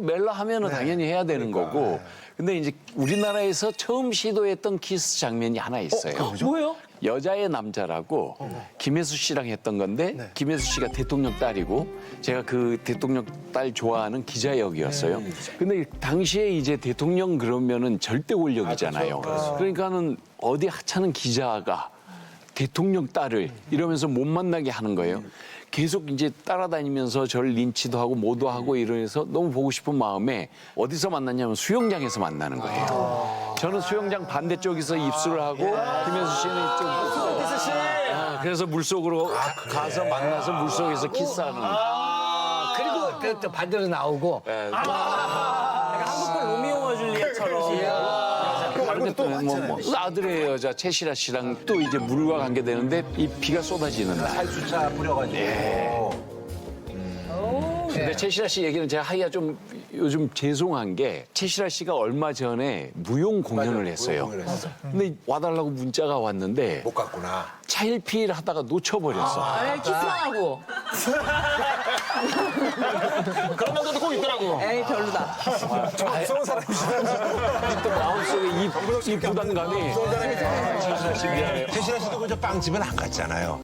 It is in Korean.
멜로 하면은 당연히 해야 되는 거고. 근데 이제 우리나라에서 처음 시도했던 키스 장면이 하나 있어요. 뭐요? 여자의 남자라고 김혜수 씨랑 했던 건데 김혜수 씨가 대통령 딸이고 제가 그 대통령 딸 좋아하는 기자 역이었어요. 근데 당시에 이제 대통령 그러면은 절대 권력이잖아요. 그러니까는 어디 하찮은 기자가 대통령 딸을 이러면서 못 만나게 하는 거예요. 계속 이제 따라다니면서 저를 린치도 하고 뭐도 하고 이러면서 너무 보고 싶은 마음에 어디서 만났냐면 수영장에서 만나는 거예요. 저는 수영장 반대쪽에서 입술을 하고 김혜수 씨는 이쪽. 그래서 물속으로 가서 만나서 물속에서 키스하는. 그리고 또 반대로 나오고. 한국판 로미오와 줄리엣처럼. 근데 또 아들의 여자 최시라 씨랑 또 이제 물과 관계되는데 이 비가 쏟아지는 날. 살수차 뿌려가지고. 근데 최시라 씨 얘기는 제가 하기가 좀 요즘 죄송한 게 최시라 씨가 얼마 전에 무용 공연을 했어요. 근데 와달라고 문자가 왔는데 못 갔구나. 차일피일 하다가 놓쳐버렸어. 에이, 키스하고. 그런 남자도 꼭 있더라고. 에이, 별로다. 무서운 사람이시다. 또 마음속에 이 부담감이 최시라 씨 미안해요. 태신아 씨도 그저 빵집은 안 갔잖아요.